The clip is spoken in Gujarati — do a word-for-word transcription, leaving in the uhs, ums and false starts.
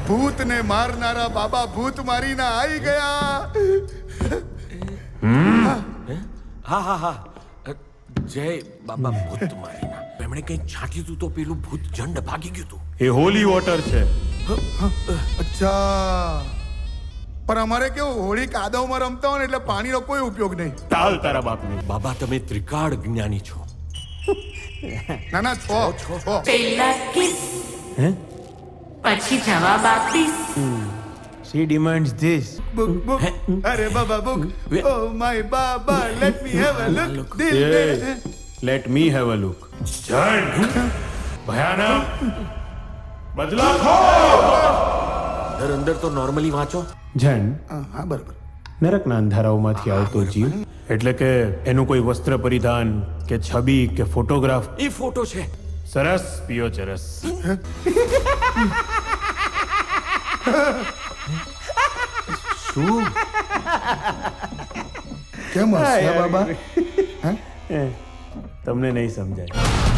ભૂતને મારનારા બાબા ભૂત મારીને આવી ગયા. હા હા હા જય બાબા ભૂત મારીના. એમણે કંઈક છાંટ્યું તું તો પેલું ભૂત જંડ ભાગી ગયું તું. એ હોલી વોટર છે. અચ્છા, પણ અમારે કેવું હોળી કાદવમાં રમતા હોય ને એટલે પાણીનો કોઈ ઉપયોગ નહીં. તાલ તારા બાપની. બાબા તમે ત્રિકાળ જ્ઞાની છો. ના ના છો છો છો. પહેલા કિસ હે? પછી જવાબ આપીશ. She demands this. Book book અરે બાબા બુક. ઓ માય બાબા, let me have a look. દિલ મે Yes. Let me have a look. જન ભયાનક બદલા ખો. અંદર અંદર તો નોર્મલી વાંચો. જન હા બરાબર. નરકના અંધારાઓમાંથી આવતો જીવ એટલે કે એનું કોઈ વસ્ત્ર પરિધાન કે છબી કે ફોટોગ્રાફ. એ ફોટો છે. સરસ પિયો ચરસ. શું કેમ હસ્યા બાબા? તમને નહીં સમજાય.